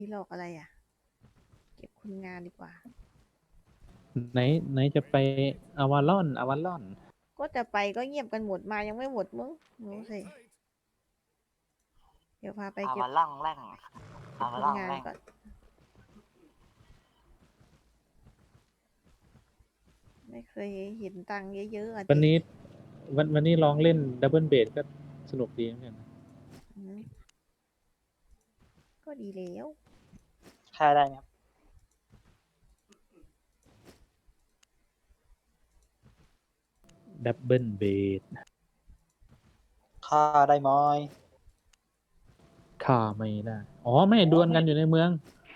หลอกอะไรอ่ะ เก็บคนงานดีกว่าไหนจะไปอวารอนก็จะไปก็เงียบกันหมดมายังไม่หมดมึงรู้สิเดี๋ยวพาไปเก็บมาล่องแร่งเก็บมาคนล่องงานแร่งก่อน ไม่เคยเห็นตังค์เยอะๆอ่ะวันดินี้วันนี้ลองเล่นดับเบิลเบสก็สนุกดีเหมือนกันนะอืมก็ดีแล้วค่าได้ไหมครับดับเบิลเบสค่าได้ไหมค่าไม่ได้อ๋อไม่ดวลกันอยู่ในเมือง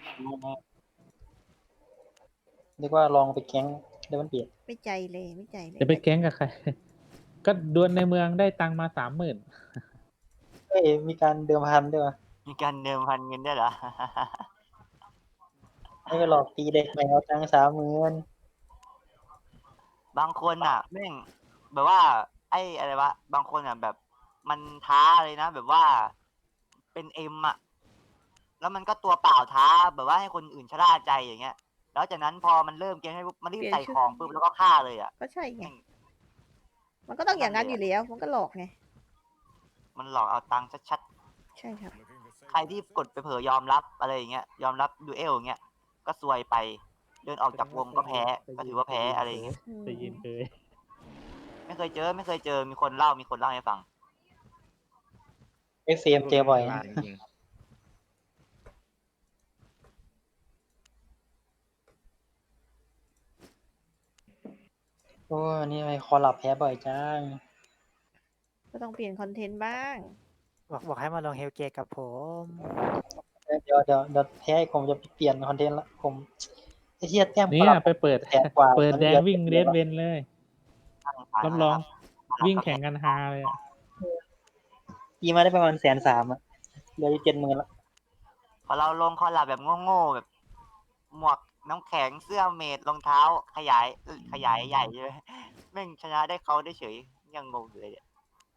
เรียกว่าลองไปแก๊งเดวันเปียดไม่ใจเลยไม่ใจเลยจะไปแก๊งกับใคร ก็ดวลในเมืองได้ตังค์มา30,000 เอ้ยมีการเดิมพันด้วยวะมีการเดิมพันเงินด้วยเหรอไม่ไปหลอกตีเด็กแมวตัง30,000 บางคนอ่ะแม่งแบบว่า ไอ้อะไรวะบางคนอ่ะแบบ มันท้าเลยนะแบบว่าเป็นเอ็มอ่ะแล้วมันก็ตัวเปล่าท้าแบบว่าให้คนอื่นชะล่าใจอย่างเงี้ย แล้วจากนั้นพอมันเริ่มเกมให้ปุ๊บมันรีบใส่ของปุ๊บแล้วก็ฆ่าเลยอ่ะก็ใช่ไงแม่งมันก็ต้องอย่างนั้นอยู่แล้ว มันก็หลอกไงมันหลอกเอาตังค์ชัดใช่ครับๆใครที่กดไปเผลอยอมรับอะไรอย่างเงี้ยยอมรับดูเอลอย่างเงี้ยก็ซวยไปเดินออกจากวงก็แพ้ก็ถือว่าแพ้อะไรอย่างเงี้ยแต่ยินเคยไม่เคยเจอมีคนเล่าให้ฟังเอ็กซีเอ็มเจอบ่อยนะจริงโอ้นี่ไมคอลับแพ้บ่อยจังก็ต้องเปลี่ยนคอนเทนต์บ้างบอกให้มาลงเฮลเกตกับผมเดี๋ยวแพ้ผมจะเปลี่ยนคอนเทนต์ละผมไอ้เหี้ยแต้มเนี่คอย ลับไปเปิดแสนกว่าเปิดมันแดงหลือวิ่ง 7 เรดเวนเลย รับรองวิ่งแข่งกันฮาเลยอะตีมาได้ประมาณ130,000อ่ะเหลืออยู่70,000ละพอเราลงคอลลาบแบบโง่ๆแบบ หมวกน้ำแข็งเสื้อเมดรองเท้าขยายใหญ่ใช่ไหมแม่งชนะได้เขาได้เฉยยังงงอยู่เลยเนี่ย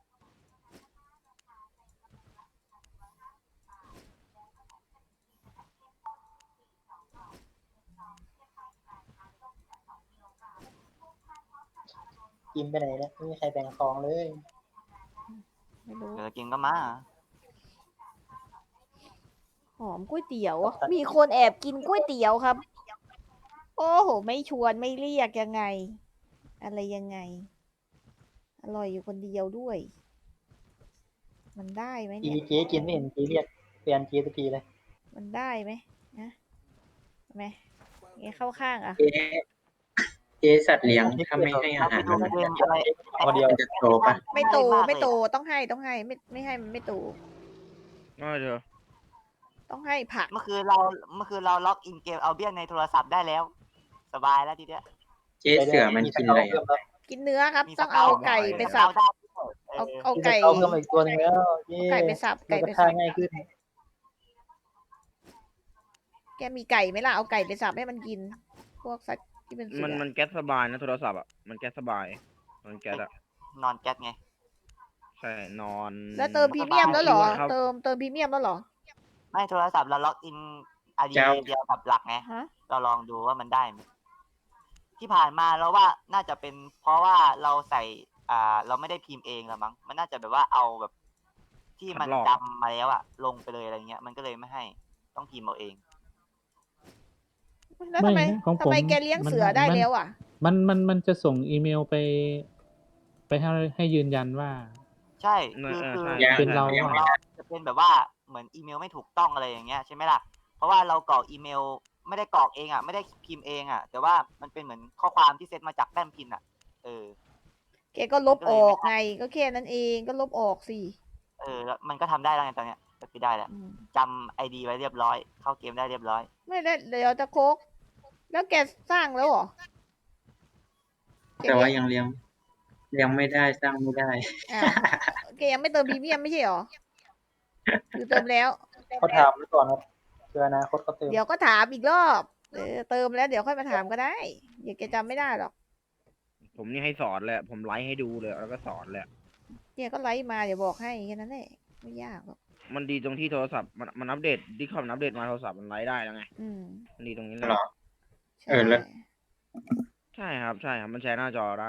กินไปไหนเนี่ยไม่มีใครแบ่งของเลยไม่รู้เดี๋ยวกินก็มาหอมก๋วยเตี๋ยว มีคนแอบกินก๋วยเตี๋ยวครับ โอ้โห ไม่ชวนไม่เรียกยังไง อะไรยังไง อร่อยอยู่คนเดียวด้วย มันได้ไหมจีเนี่ยเจ๊กินไม่เห็นจีเรียกแฟนเจ๊สักทีเลยมันได้ไหมนะไหมไงเข้าข้างอ่ะเจ๊สัตว์เลี้ยงถ้าไม่ให้อาเราไปหารดูมันเกมอะไรคนเดียวจะโตปะไม่โตง่ายากไม่โตเลยต้องให้ไม่ให้มันไม่โตๆก็เดี๋ยวต้องให้ผักเมื่อคืนเราล็อกอินเกมเอาเบี้ยในโทรศัพท์ได้แล้ว สบายแล้วทีเนี้ยเจ๊เสือมันกินอะไรอะกินเนื้อครับมีต้องสเอาเกาไก่ไปมีสับสเกาได้เอามีไก่สเกาเพิ่มมาอีกตัวหนึงแล้วเย้ไก่ไปสับไก่ไก่ไปไปฆ่าสับง่ายขึ้นแกมีไก่ไหมล่ะ เอาไก่ไปสับให้มันกิน พวกสัตว์ที่เป็นเสือมันแก๊สสบายนะโทรศัพท์อ่ะมันแก๊สสบายมันแก๊สอ่ะนอนแก๊สไงใช่นอนแล้วเติมพรีเมียมแล้วเหรอครับเติมพรีเมียมแล้วเหรอไม่โทรศัพท์เราล็อกอินไอเดียวกับหลักไงฮะเราลองดูว่ามันได้ไหมที่ผ่านมาเราว่าน่าจะเป็นเพราะว่าเราใส่เราไม่ได้พิมพ์เองละมั้งมันน่าจะแบบว่าเอาแบบ ที่มันจำมาแล้วอะลงไปเลยอะไรเงี้ยมันก็เลยไม่ให้ต้องพิมพ์เอาเองแล้วทำไมนะของผมทำไมแกเลี้ยงเสือได้แล้วอ่ะมันจะส่งอีเมลไปให้ยืนยันว่าใช่ใช่เป็นเราของเราจะเป็นแบบว่าเหมือนอีเมลไม่ถูกต้องอะไรอย่างเงี้ยใช่ไหมล่ะเพราะว่าเรากรอกอีเมลไม่ได้กรอกเองอ่ะไม่ได้พิมพ์เองอ่ะแต่ว่ามันเป็นเหมือนข้อความที่เซตมาจากแป้นพิมพ์อ่ะแกก็ลบออกไง ก็แค่นั้นเองก็ลบออกสิแล้วมันก็ทำได้แล้วไงตอนเนี้ยก็คือได้แล้วอืมจำไอดีไว้เรียบร้อยเข้าเกมได้เรียบร้อยไม่ได้เดี๋ยวจะโคก แล้วแกสร้างแล้วเหรอแต่ว่ายังเลี้ยงไม่ได้สร้างไม่ได้อ้าวแกยังไม่เติมพรีเมียมไม่ใช่เหรอหรือเติมแล้วเขาถามไว้ก่อนครับเพื่ออนาคตเขาเติมเดี๋ยวก็ถามอีกรอบ เติมแล้วเดี๋ยวค่อยมาถามก็ได้เดี๋ยวแกจำไม่ได้หรอกผมนี่ให้สอนเลยผมไลฟ์ให้ดูเลยแล้วก็สอนเลยแกก็ไลฟ์มาเดี๋ยวบอกให้แค่นั้นแหละไม่ยากหรอกมันดีตรงที่โทรศัพท์มันอัปเดตดิคอมอัปเดตมาโทรศัพท์มันไลฟ์ได้แล้วไงอืมมันดีตรงนี้เลยเหรอใช่แล้วใช่ครับมันแชร์หน้าจอได้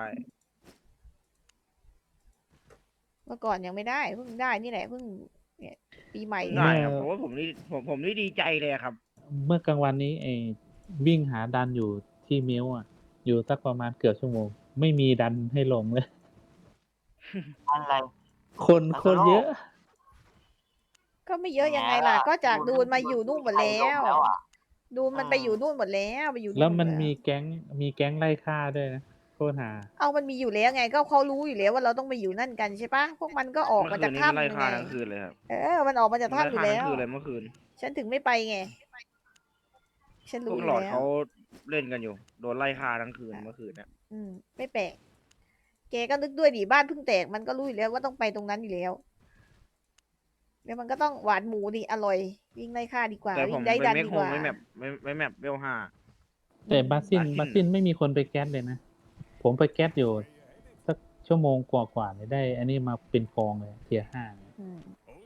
เมื่อก่อนยังไม่ได้เพิ่งได้นี่แหละเพิ่งเนี่ยปีใหม่ได้เนี่ยครับเพราะว่าผมนี่ดีใจเลยครับเมื่อกลางวันนี้วิ่งหาดันอยู่ที่มิ้วอ่ะ อยู่สักประมาณเกือบชั่วโมง ไม่มีดันให้ลงเลยอะไรคนโคตรเยอะก็ไม่เยอะยังไงล่ะ ก็จากดูนมาอยู่นู่นหมดแล้วอะดูนมันไปอยู่นู่นหมดแล้วไปอยู่นู่นแล้วมันหดมีแก๊งไล่ฆ่าด้วยนะโคตรหาเอามันมีอยู่แล้วไง ก็เขารู้อยู่แล้วว่าเราต้องไปอยู่นั่นกันใช่ปะพวกมันก็ออกเมื่มาอคืจากนนี้มันถ้ำไล่ยังฆ่าไงทั้งคืนเลยครับมันออกมาจากมันไล่ถ้ำอยู่ฆ่าแล้ทั้งวคืนเลยเมื่อคืนฉันถึงไม่ไปไง ฉันพรู้วกอยู่หลอดแล้วเขาเล่นกันอยู่ โดนไล่ฆ่าทั้งคืนเมื่อคืนเนี่ยไม่แปลก แกก็นึกด้วยดิบ้านเพิ่งแตกมันก็รู้อยู่แล้วว่าต้องไปตรงนั้นอยู่แล้ว แล้วมันก็ต้องหวานหมูดิอร่อย วิ่งไล่ฆ่าดีกว่าแต่ผวิ่มงไล่ไปดันเมคดีโฮกว่าไม่แมปเวลห้าแต่บาซินบาซินไม่มีคนไปแก๊สเลยนะ ผมไปแก๊สอยู่สักชั่วโมงกว่าๆเลยได้ อันนี้มาเป็นกองเลยเทียร์ 5 อืม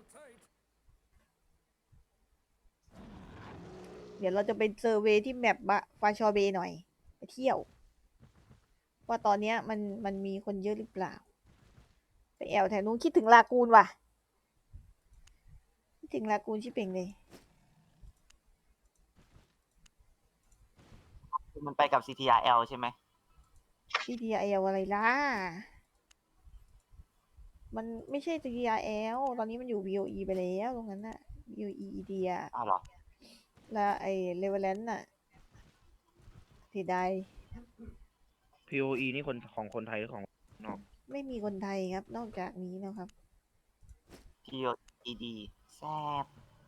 เดี๋ยวเราจะไปเซอร์เวย์ที่แมปฟาชอเบหน่อย ไปเที่ยว ว่าตอนเนี้ยมันมีคนเยอะหรือเปล่า ไปแอวแถวนู้นคิดถึงลากูนว่ะ คิดถึงลากูนชิบเป่งเลยมันไปกับ CTRL ใช่ไหม CTRL อะไรล่ะ มันไม่ใช่ CTRL ตอนนี้มันอยู่ VOE ไปแล้วตรงนั้นน่ะ VOE อีเดียอ้าวเหรอแล้วไอ้เลเวลแลนน่ะเสียดาย POE นี่คนของคนไทยหรือของนอกไม่มีคนไทยครับ นอกจากนี้นะครับ POED แซ่บ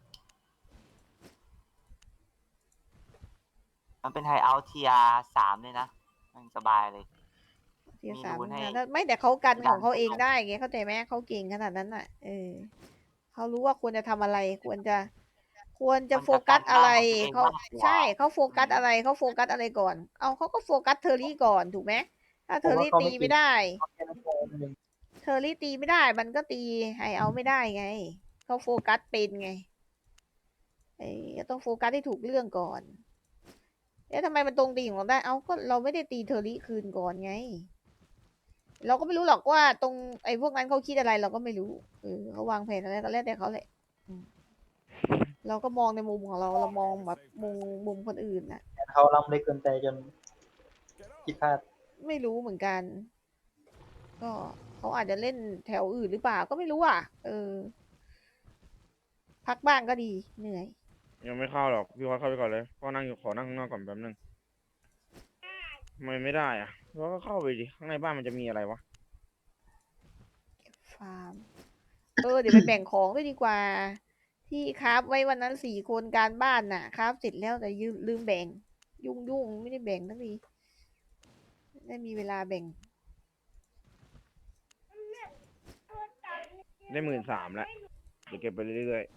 มันเป็นไฮเอาท์เทีย3เลยนะ มันสบายเลยเทียมีสามรูนให้นะไม่แต่เขากันดันของเขาเองได้ไงเข้าใจไหมเขาเก่งขนาดนั้นน่ะเขารู้ว่าควรจะทำอะไร ควรจะมันจะโฟกัสอะไรกันบ้านของตัวเองเขามากกว่าใช่เขาโฟกัสอะไรเขาโฟกัสอะไรก่อน เอาเขาก็โฟกัสเทอร์รี่ก่อนถูกไหมถ้าเทอร์รี่ตีไม่ได้ เทอร์รี่ตีไม่ได้ มันก็ตีไฮเอาไม่ได้ไงเขาโฟกัสเป็นไงต้องโฟกัสให้ถูกเรื่องก่อนทำไมมันตรงตีของเราได้ เอาก็เราไม่ได้ตีเทอร์รี่คืนก่อนไง เราก็ไม่รู้หรอกว่าตรงไอ้พวกนั้นเขาคิดอะไรเราก็ไม่รู้เขาวางแผนอะไรก็แล้วแต่เขาแหละเราก็มองในมุมของเรามองแบบมุมคนอื่นน่ะเขาล้ำเล็กเกินไปจนผิดพลาดไม่รู้เหมือนกัน ก็เขาอาจจะเล่นแถวอื่นหรือเปล่าก็ไม่รู้อ่ะพักบ้างก็ดีเหนื่อยยังไม่เข้าหรอกพี่ว่าเข้าไปก่อนเลยพ่อนั่งอยู่ขอนั่งข้างนอกก่อนแป๊บนึงทำไมไม่ได้อ่ะเราก็เข้าไปดิข้างในบ้านมันจะมีอะไรวะฟาร์มเดี๋ยวไปแบ่งของด้วยดีกว่า ที่คราฟไว้วันนั้น4 คนการบ้านน่ะคราฟเสร็จแล้วแต่ลืมแบ่ง ยุ่งไม่ได้แบ่งทั้งทีไม่มีเวลาแบ่งได้13,000แล้วเดี๋ยวเก็บไปเรื่อย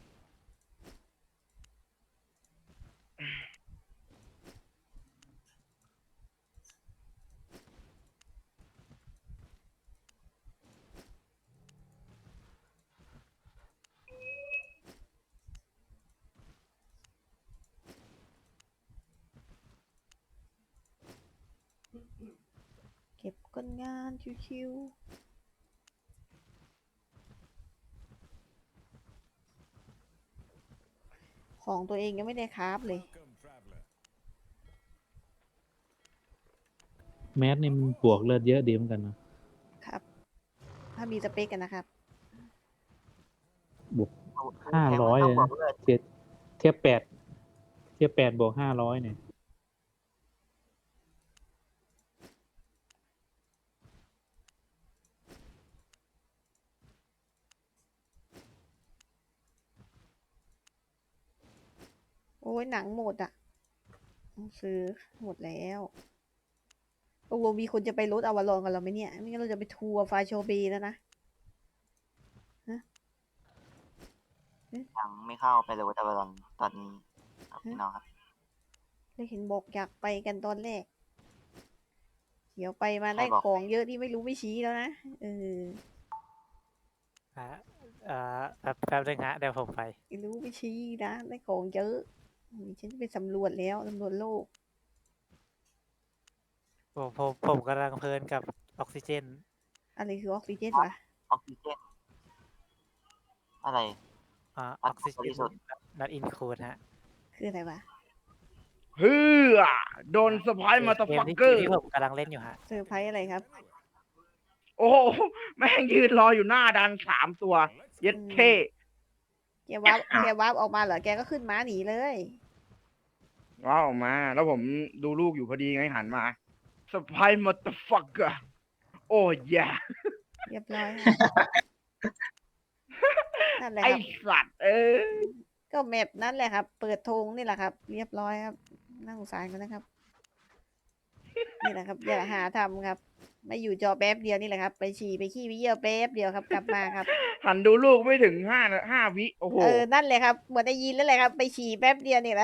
ๆเก็บก้นงานชิวๆของตัวเองยังไม่ได้คราฟเลยแมสนี่มันบวกเลือดเยอะดีเหมือนกันนะครับถ้ามีสเปคกันนะครับบวก 500เลยนะเทียบ8บวก500เนี่ยโอ้ยหนังหมดอ่ะต้องซื้อหมดแล้วตกลงมีคนจะไปรถอวารอนกับเราไหมเนี่ยไม่งั้นเราจะไปทัวร์ฟาโชเบแล้วนะยังไม่เข้าไปเลยวัตบอลตอนนี้ครับพี่น้องครับได้เห็นบอกอยากไปกันตอนแรก เดี๋ยวไปมาได้ใครบอกของเยอะที่ไม่รู้ไม่ชี้แล้วนะอ่ะแป๊บนึงฮะเดี๋ยวผมไปไม่รู้ไม่ชี้นะได้ของเยอะฉันจะไปสำรวจแล้วสำรวจโลกผมกำลังเพลินกับออกซิเจนอะไรคือออกซิเจนวะออกซิเจนอะไรออ่ะอกซิเจบรินสุทธิ์ not include ฮะคืออะไรวะเฮือโดนสปายมาตาเกฟัมกที่เกอร์ที่ผมกำลังเล่นอยู่ฮะเซอร์ไพรส์อะไรครับโอ้โหแม่งยืนรออยู่หน้าดัน3 ตัว เย็ดเท่แกวาร์ปออกมาเหรอ แกก็ขึ้นม้าหนีเลยว้าวออกมา แล้วผมดูลูกอยู่พอดีไงหันมาสปายมาตาฟักเกอร์โอ้ยเรียบร้อยครับนั่นแหละไอครับสัตว์ก็แมปนั่นแหละครับ เปิดธงนี่แหละครับ เรียบร้อยครับน่าสงสารกันนะครับ นี่แหละครับ อย่าหาทำครับ ไม่อยู่จอแป๊บเดียวนี่แหละครับ ไปฉี่ไปขี้ไปเยี่ยวแป๊บเดียวครับ กลับมาครับหันดูลูกไม่ถึงห้าวิโอ้โหนั่นเลยครับ เหมือนได้ยินแล้วแหละครับ ไปฉี่แป๊บเดียวนี่แหละ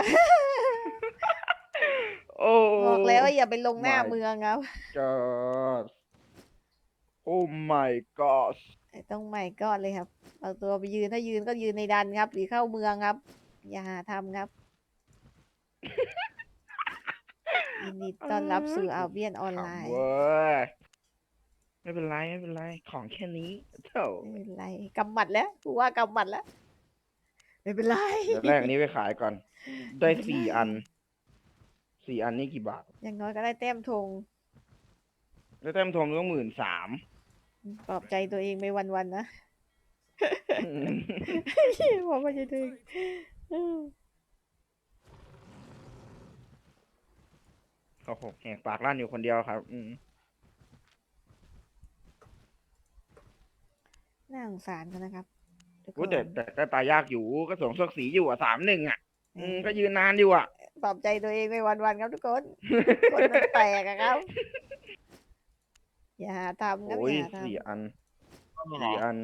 โอ้บอกแล้วว่าอย่าไปลงหน้า My เมืองครับ God โอ้ my god ต้องใหม่ก่อนเลยครับ เอาตัวไปยืนถ้ายืนก็ยืนในดันครับ หรือเข้าเมืองครับ อย่าหาทำครับ ยินดีต้อนรับสู่อาเบียนออนไลน์เว้ยไม่เป็นไรไม่เป็นไร ของแค่นี้เถ่าไม่เป็นไรกำหมัดแล้วกูว่ากำหมัดแล้ว ไม่เป็นไรเดี๋ยวแรกอันนี้ไปขายก่อน ได้4 อัน 4 อันนี่กี่บาทอย่างน้อยก็ได้แต้มธงได้แต้มทงต้อง13,000 ปลอบใจตัวเองไปวันๆนะ บอกว่าจะถึงโอ้โหแหกปากลั่นอยู่คนเดียวครับน่าสงสารกันนะครับทุกคกูนแต่ก็ตายยากอยู่ก็สวมเสื้อสีอยู่3-1อ่ะเออก็ยืนนานอยู่อ่ะปลอบใจตัวเองไปวันๆครับทุกคน คนมันแตกอะครับ อย่าหาทำครับโอ้ยอย่าหาท 4 อันอยู่ไหน 4 อัน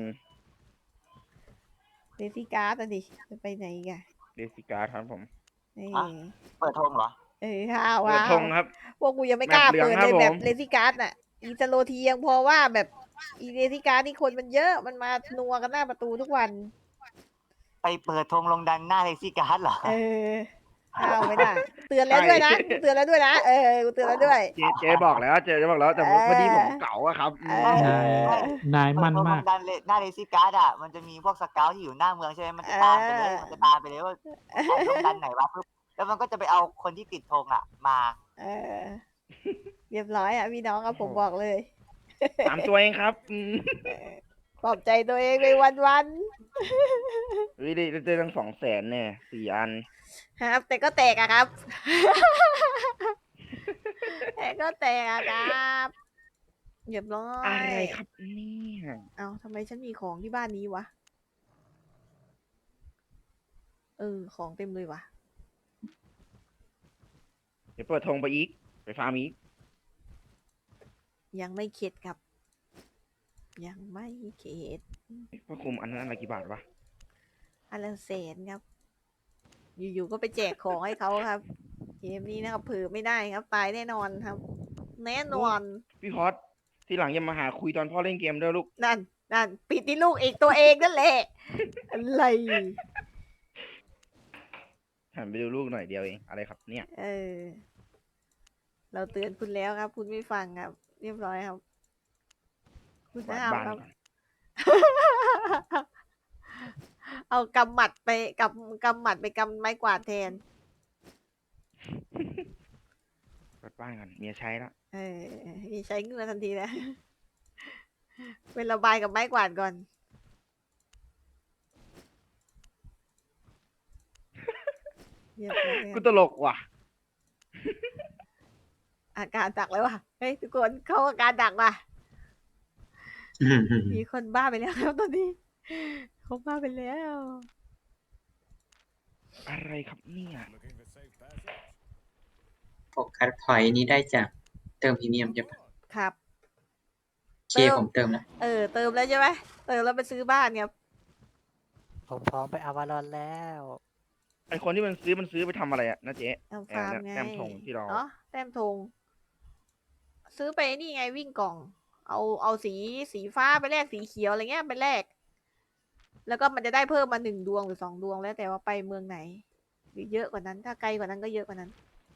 ำเลซี่การ์ดอะดิจะไปไหนอีกันเดซิการ์ดครับผมนี่เปิดธงเหรอห้าวเปิดว้าธวงครับพวกกูยังไม่กล้าแบบเหลืองเปิดครัเลบยแบบผมเลซี่การ์ดน่ะ อีสโลทียังพอว่าแบบอีเลซี่การ์ดนี่คนมันเยอะมันมานัวกันหน้าประตูทุกวันไปเปิดธงลงดันหน้าเลซี่การ์ดเหรอห้าวไม่ได้เตือนแล้วด้วยนะกูเตือนแล้วด้วยนะกูเตือนแล้วด้วยเจ๊บอกแล้วเจ๊บอกแล้วแต่พอดีผมเก๋าอะครับเออนายมั่นเปิดธงลมากงดันหน้าเลซี่การ์ดอ่ะมันจะมีพวกสเกลที่อยู่หน้าเมืองใช่ไหมมันจะตามไปเลยมันจะตามไปเลยว่าไอ้ลงดันไหนวะปุ๊บแล้วมันก็จะไปเอาคนที่ติดธงอ่ะมาเออเรียบร้อยอ่ะพี่น้องครับผมบอกเลย 3 ตัวเองครับปลอบใจตัวเองไปวันวิได้ตั้ง200,000เนี่ย4 อันๆครับ แต่ก็แตกอะครับ แต่ก็แตกอะครับเรียบร้อยอะไรครับเนี่ยเอาทำไมฉันมีของที่บ้านนี้วะของเต็มเลยวะเดี๋ยวเปิดธงไปอีก ไปฟาร์มอีกยังไม่เข็ดครับ ยังไม่เข็ดพระคุมอันนั้นอะไรกี่บาทวะอันละแสนครับ อยู่ๆก็ไปแจกของให้เขาครับเกมนี้นะครับเผือไม่ได้ครับ ตายแน่นอนครับ แน่นอนพี่พอดที่หลังอย่ามาหาคุยตอนพ่อเล่นเกมด้วยลูกนั่นปิดที่ลูกอีกตัวเองนั่นแหละ อะไรหันไปดูลูกหน่อยเดียวเอง อะไรครับเนี่ยเราเตือนคุณแล้วครับ คุณไม่ฟังครับ เรียบร้อยครับ คุณกวาดห้าวบ้านครับก่อนเอากำหมัดไปกำหมัดไปกำไม้กวาดแทนกวาดบ้านก่อนเมียใช้แล้วมีใช้เงินทันทีนะ เป็นระบายกับไม้กวาดก่อนเรียบร้อยกูตลกว่ะอาการดักแล้วว่ะ เฮ้ยทุกคนเข้าอาการดักว่ะ มีคนบ้าไปแล้วครับตอนนี้เขาบ้าไปแล้วอะไรครับเนี่ยโฟกัสพอยต์นี้ได้จากเติมพรีเมียมใช่ปะครับเคผมเติมแล้วเติมแล้วใช่ไหมเติมแล้วไปซื้อบ้านครับผมพร้อมไปอาวารอนแล้วไอคนที่มันซื้อไปทำอะไรอะนะเจ๊ทำฟาร์มไงแต้มธงที่เราเนาะแต้มธงซื้อไปนี่ไงวิ่งกล่อง เอาสีฟ้าไปแลกสีเขียวอะไรเงี้ยไปแลกแล้วก็มันจะได้เพิ่มมา1 ดวงหรือ2 ดวงแล้วแต่ว่าไปเมืองไหน หรือเยอะกว่านั้น ถ้าไกลกว่านั้นก็เยอะกว่านั้น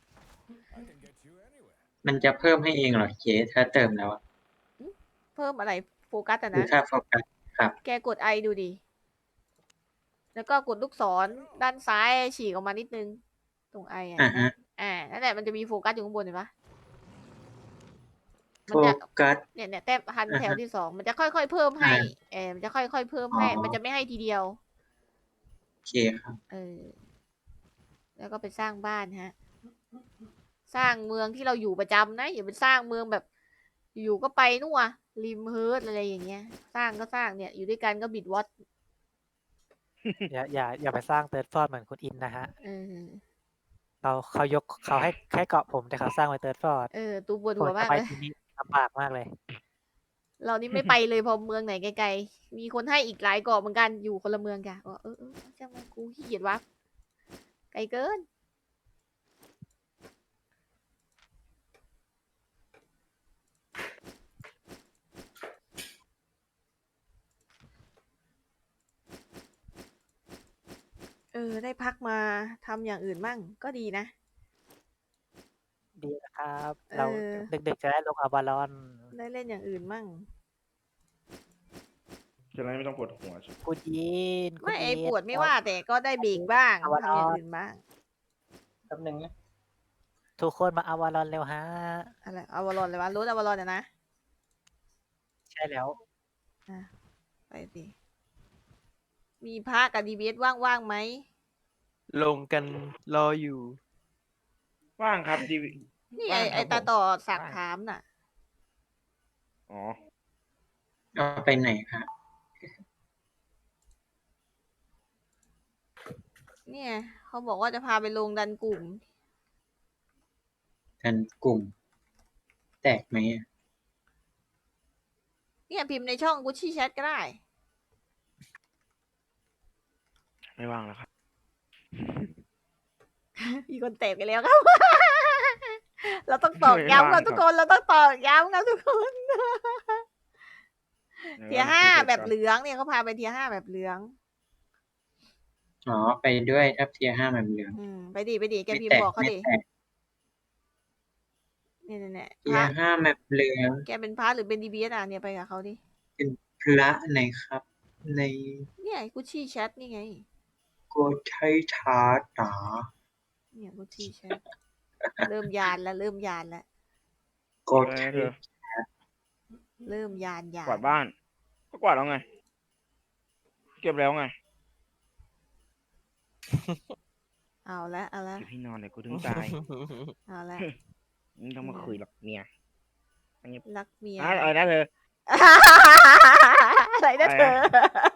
มันจะเพิ่มให้เองเหรอเคถ้าเติมแล้วอะเพิ่มอะไรโฟกัสอะคือนะค่าโฟกัสครับแกกดไอดูดิ แล้วก็กดลูกศรด้านซ้ายฉีกออกมานิดนึง ตรงไออ่ะอ่าเห็นไหมฮะนั่นแหละมันจะมีโฟกัสอยู่ข้างบนเห็นปะโฟมันจะกัสเนี่ยแต้มพันอ่าฮะแถวที่ 2 มันจะค่อยๆเพิ่มให้ มันจะค่อยๆเพิ่มให้อ๋อมันจะไม่ให้ทีเดียวโอเคครับแล้วก็ไปสร้างบ้านฮะ สร้างเมืองที่เราอยู่ประจำนะ อย่าไปสร้างเมืองแบบ อยู่ก็ไปนู่นอะริมเฮิร์ตอะไรอย่างเงี้ย สร้างก็สร้างเนี่ย อยู่ด้วยกันก็บิดวอตอย่าไปสร้างเติร์ดฟอร์ดเหมือนคุณอินนะฮะเออเขาให้เกาะผมแต่เขาสร้างไว้เติร์ดฟอร์ดตูปวดผหัมวจะมากไปเลยที่นี่ลำบากมากเลยเรานี่ไม่ไปเลยพอเมืองไหนไกลๆ มีคนให้อีกหลายเกาะเหมือนกัน อยู่คนละเมืองกันช่างมันกูขี้เกียจวับไกลเกิน ได้พักมาทำอย่างอื่นมั่งก็ดีนะดีนะครับเออเราเด็กๆจะได้ลงอาวาลอนได้เล่นอย่างอื่นมั่งจะได้ไม่ต้องปวดหัวใช่ไหมคุณอินไม่ไอ้ปวดไม่ว่าแต่ก็ได้เบรกบ้างอาวาลอนทำอย่างอื่นบ้างแป๊บหนึงนะทุกคนมาอาวาลอนเร็วฮะอะไรอวารอนเลยวะรถอวารอนนะใช่แล้วไปสิ มีพระกับดีเบสว่างๆไหมลงกันรออยู่ว่างครับดีนี่ว่างคไอ้รับตาผมต่อสักว่างถามน่ะอ๋อเอาไปไหนครับเนี่ยเขาบอกว่าจะพาไปลงดันกลุ่มกันกลุ่ม แตกไหมอะเนี่ยพิมพ์ในช่องกุชชี่แชทก็ได้ไม่ว่างแล้วครับมีคนแตกไปแล้วครับ เราต้องตอกย้ำครับทุกคน เราต้องตอกย้ำครับทุกคน เทียร์ 5แบบเหลืองเนี่ยเขาพาไปเทียร์ 5แบบเหลืองอ๋อ ไปด้วยทับเทียร์5แบบเหลืองไปดิแกไม่พิมแตพ์กบอกเขาไม่ดิแตกเนี่ยเทีพยระร์5แบบเหลืองแกเป็นพระหรือเป็นดีบีเอสอ่ะเนี่ยไปกับเขาดิเป็นพระไหนครับ ในเนี่ยกุชชี่แชทนี่ไงโกไททาตาเนี่ยกุชชี่แชท เริ่มยานแล้วโกเอไทอเธอเริ่มยานกวาดบ้าน ก็กวาดแล้วไง เก็บแล้วไงเอาละเก็บที่นอนเลยกูถึงตายเอาละมึงต้องมาคุยหรอกเมียรักเมียอะไรนะเธออะไรนะเธอ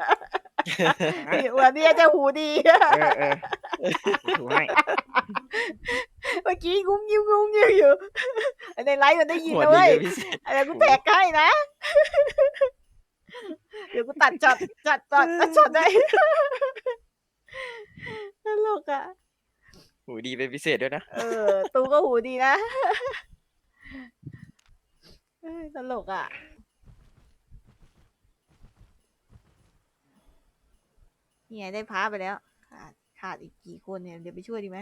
วันนี้จะหูดีเออถูให้เมื่อกี้งุ้มยิ้มอยู่ในไลฟ์มันได้ยินหัวนะดีเว้ยเป็นพิเศษอะไรกูแตกให้นะ เดี๋ยวกูตัดช็อตได้ ตลกอ่ะหูดีเป็นพิเศษด้วยนะตูก็หูดีนะตลกอ่ะ นี่ไงได้พาไปแล้ว ขาดอีกกี่คนเนี่ย เดี๋ยวไปช่วยดีไหม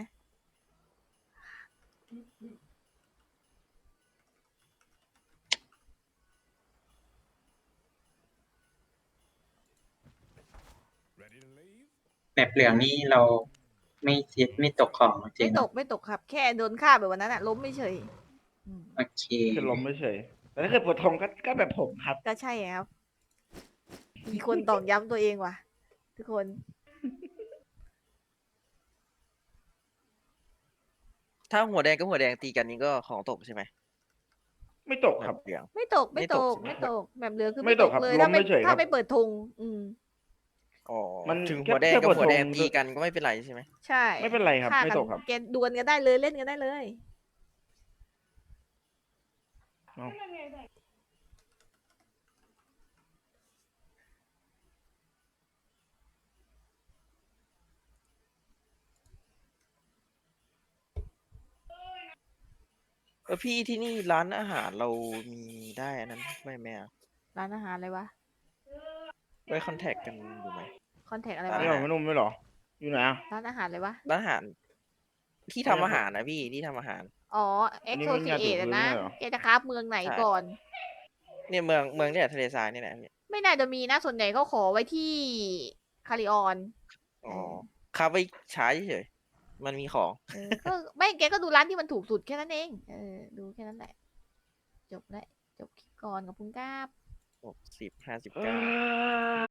แบบเหลืองนี่เราไม่เสียไม่ตกของจริไม่งตกครับ แค่โดนฆ่าแบบวันนั้นอะล้มไม่เฉยโอเคคือล้มไม่เฉย แต่ถ้าเกิดปวดท้องก็แบบผมครับก็ใช่ครับ มีคนตอกย้ำตัวเองว่ะ ทุกคนถ้าหัวแดงกับหัวแดงตีกันนี่ก็ของตกใช่ไหมไม่ตกครับเหลืองไม่ตกไม่ตกใช่ไหมแบบเหลือคือไม่ตกครับเลยล้ถ้ามไม่เฉยครับถ้าไม่เปิดธงอ๋อมันถึงแค่หัวแดงกับแค่ปวดหัวแดงท้องตีกันก็ไม่เป็นไรใช่ไหมใช่ไม่เป็นไรครับฆ่าไม่กันตกครับแกดวลกันได้เลยเล่นกันได้เลยเอาพี่ที่นี่ร้านอาหารเรามีได้อันนั้นไม่แม่ร้านอาหารอะไรวะไว้คอนแทคกันอยู่ไหมคอนแทคอะไรร้านนี่วะมันไม่นุ่มไม่หรอ อยู่ไหนอ่ะร้านอาหารเลยวะร้านอาหาร ที่ทำอาหารนะพี่ที่ทำอาหารอ๋ออันนี้ Exo ไม่มีงาน Create ถืออะพื้นนะไม่ใช่เหรอแกจะคราฟเมืองไหนใช่ก่อนเนี่ยเมืองเนี่ยทะเลทรายนี่แหละพี่ไม่น่าจะมีนะ ส่วนใหญ่เขาขอไว้ที่คาริออนอ๋อคาไปใช้เฉยๆมันมีของก็ไม่แกก็ดูร้านที่มันถูกสุดแค่นั้นเอง ดูแค่นั้นแหละ จบแล้ว จบคลิปก่อนกับคุณก้าบ 60 59